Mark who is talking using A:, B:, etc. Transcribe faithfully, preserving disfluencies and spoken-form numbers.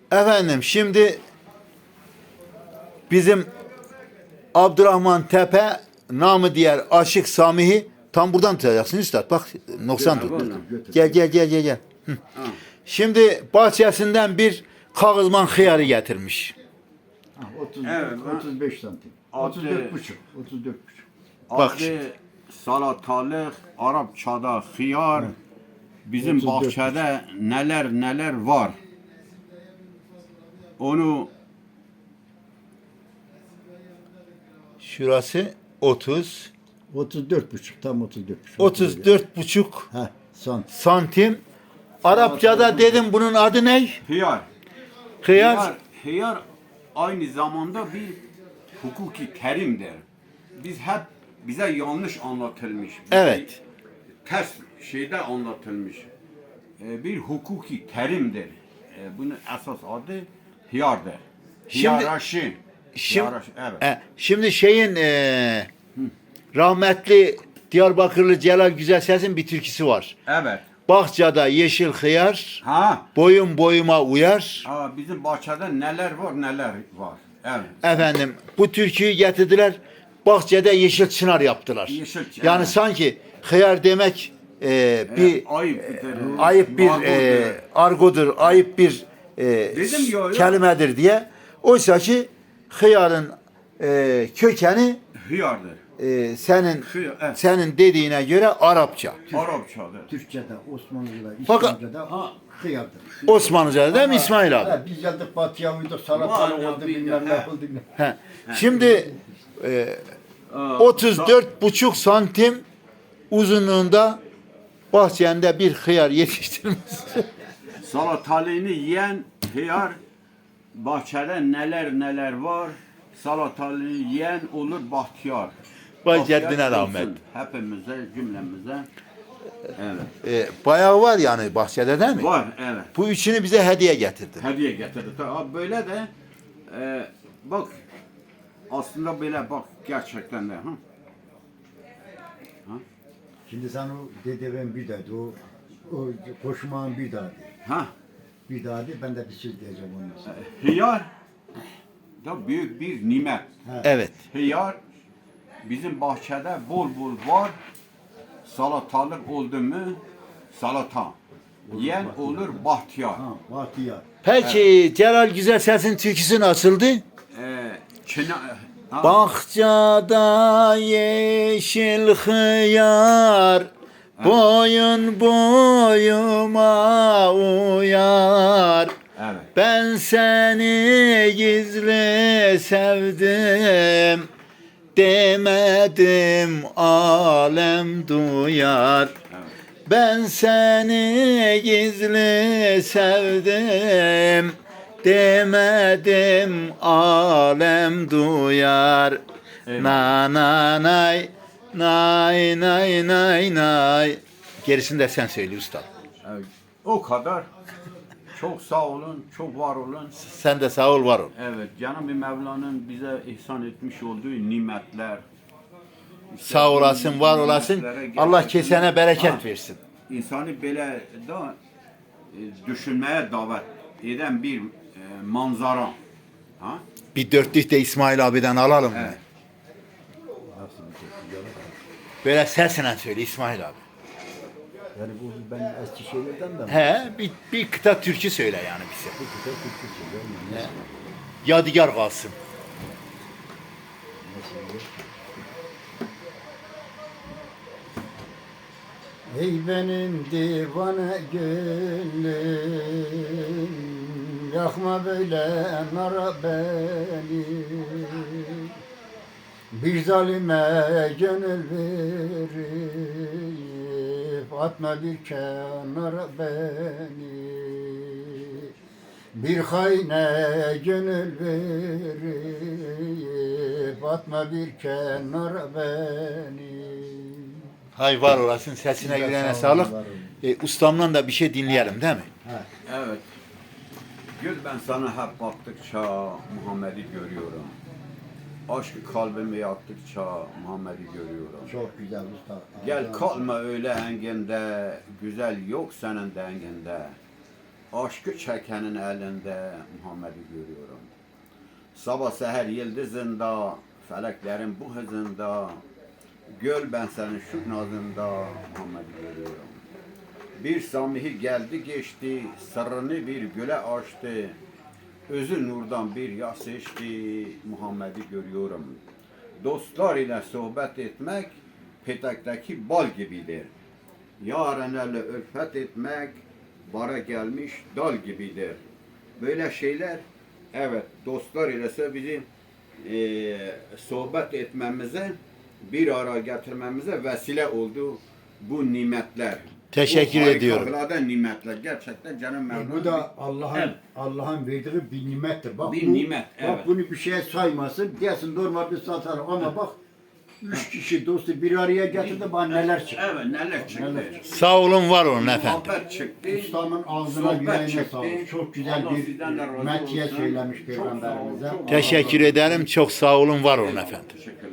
A: Efendim şimdi bizim Abdurrahman Tepe namı diğer Aşık Samihi tam buradan tutacaksın üstad. Bak noksan tut. Gel gel gel gel gel. Hı. Şimdi bahçesinden bir kağızman hıyarı getirmiş.
B: otuz,
C: Evet,
B: otuz beş santim.
C: Altı-
B: otuz dört buçuk. otuz dört buçuk.
A: Bak
C: Adı
A: şimdi.
C: salatalık, Arapçada hıyar. Bizim
B: otuz dört
C: bahçede neler neler var. Onu
A: Şurası otuz.
B: otuz dört buçuk. Tam otuz dört buçuk.
A: otuz dört buçuk
B: Heh, son.
A: santim. Arapçada dedim bunun adı ne?
C: hıyar.
A: Hıyar.
C: Hıyar, hıyar aynı zamanda bir hukuki terimdir. Biz hep bize yanlış anlatılmış. bize
A: Evet.
C: Ters şeyde anlatılmış. Ee, bir hukuki terimdir. Ee, bunun esas adı hıyardır.
A: Şimdi-
C: Hiyaraşi.
A: Şimdi,
C: Hiyaraşi, evet.
A: e, şimdi şeyin e, rahmetli Diyarbakırlı Celal Güzelses'in bir türküsü var.
C: Evet.
A: Bahçada yeşil hıyar,
C: Ha.
A: boyun boyuma uyar.
C: Aa, bizim bahçede neler var neler var. Evet.
A: Efendim bu türküyü getirdiler. Bahçede yeşil çınar yaptılar.
C: Yeşil çınar,
A: Yani
C: evet.
A: sanki hıyar demek e, bir
C: Evet, ayıp bir-
A: ayıp bir
C: argodur.
A: e, argodur, ayıp bir e,
C: Dedim ya, ya.
A: kelimedir diye. Oysa ki hıyarın e, kökeni
C: Hıyardır.
A: e, senin
C: Hıyar, evet.
A: senin dediğine göre Arapça.
C: Arapçadır.
B: Türkçe'de, Osmanlı'da,
A: Fakat-
B: İslamca'da ha, hıyardır.
A: Osmanlıca'da değil mi İsmail abi?
B: Ha, biz geldik batıya uyduk, salatalı
C: Vallahi
B: oldu,
C: bir-
B: bilmem ne
C: ha.
B: oldu.
A: He. Şimdi e,
C: Aa,
A: otuz dört buçuk santim uzunluğunda bahçende bir hıyar yetiştirmiş.
C: Salatalığını yiyen hıyar, bahçede neler neler var. Salatalığı yiyen olur bahtiyar.
A: Vay
C: Afiyet
A: ceddine
C: olsun
A: rahmet.
C: Hepimize, cümlemize. Evet.
A: E, bayağı var yani bahçede değil mi?
C: Var, evet.
A: Bu üçünü bize hediye getirdi.
C: Hediye getirdi. Tabii böyle de e, bak aslında böyle bak gerçekten de. Ha?
B: Şimdi sen o dedeven bir dedi, o, o koşmağın bir daha de.
C: Ha?
B: Bir daha de, ben de bir söz diyeceğim onun için.
C: Hıyar da büyük bir nimet.
A: Evet.
C: Hıyar bizim bahçede bol bol var. Salatalık oldu mu salata. Yiyen olur bahtiyar.
B: Ha, bahtiyar.
A: Peki Celal Güzelses'in türküsü nasıldı?
C: Ee, çına, ha,
A: Bahçada yeşil hıyar, boyun boyuma uyar.
C: evet.
A: Ben seni gizli sevdim, demedim alem duyar. Ben seni gizli sevdim, demedim alem duyar.
C: Eyvallah.
A: Na na nay, nay nay nay nay. Gerisini de sen söyle usta.
C: Evet. O kadar. Çok sağ olun, çok var olun.
A: Sen de sağ ol var ol.
C: Evet, Cenab-ı Mevla'nın bize ihsan etmiş olduğu nimetler. İşte
A: Sağ
C: bu
A: olasın, var olasın.
C: nimetlere
A: Allah
C: gerçekten-
A: kesene bereket
C: Ha,
A: versin.
C: İnsanı böyle da e, düşünmeye davet eden bir e, manzara. Ha?
A: Bir dörtlük de İsmail abiden alalım. mı?
C: Evet.
B: Nasıl bir şey? Yalan.
A: Böyle sesle söyle İsmail abi.
B: Yani bu ben eski şeylerden de mi?
A: He, bir, bir kıta türkü söyle yani bize.
B: Bu güzel Türkçe söylüyorum. ya, Nasıl?
A: Yadigar kalsın.
B: Nasıl olur? Ey benim divane gönlüm, yakma böyle nara beni. Bir zalime gönül verip atma bir kenara beni. Bir haine gönül verip atma bir kenara beni.
A: Hay var olasın, sesine
B: Güzel,
A: yüreğine
B: sağ olun,
A: sağlık.
B: var olun.
A: E, ustamdan da bir şey dinleyelim değil mi?
B: Ha.
C: Evet. Gül ben sana hep baktıkça Muhammed'i görüyorum. Aşkı kalbime yaktıkça Muhammed'i görüyorum.
B: Çok güzel usta.
C: Gel
B: Allah-
C: kalma öyle henginde, güzel yok senin denginde. aşkı çekenin elinde Muhammed'i görüyorum. Sabah seher yıldızında, feleklerin bu hızında, göl ben senin şu nazında Muhammed'i görüyorum. Bir Samihi geldi geçti, sırrını bir güle açtı. Özü nurdan bir yas içti, Muhammed'i görüyorum. Dostlar ile sohbet etmek, petekteki bal gibidir. Yarenlerle ülfet etmek, bara gelmiş dal gibidir. Böyle şeyler, evet, dostlar ile bizim e, sohbet etmemize, bir ara getirmemize vesile oldu bu nimetler.
A: Teşekkür
C: bu
A: ediyorum.
C: harikalardan nimetler. Gerçekten canım
B: E,
C: memnun.
B: bu da Allah'ın
C: Evet.
B: Allah'ın verdiği bir nimettir. Bak
C: Bir
B: bu,
C: nimet, evet.
B: Bak bunu bir şeye saymasın. Diyorsun normalde satarım ama bak üç kişi dostu bir araya getirdi bana neler çıktı.
C: Evet, neler çıktı.
B: Neler çıktı.
A: Sağ olun, var olun efendim.
C: Muhabbet çıktı.
B: Ustamın ağzına
C: Sohbet
B: yüreğine
C: çıktı.
B: sağlık. Çok güzel
C: Allah
B: bir
C: sizden de razı
B: metiye
C: olsun.
B: söylemiş
C: Çok sağ olun,
B: Peygamberimize.
C: çok
A: Teşekkür ederim. Çok sağ olun, var olun efendim.
C: Teşekkür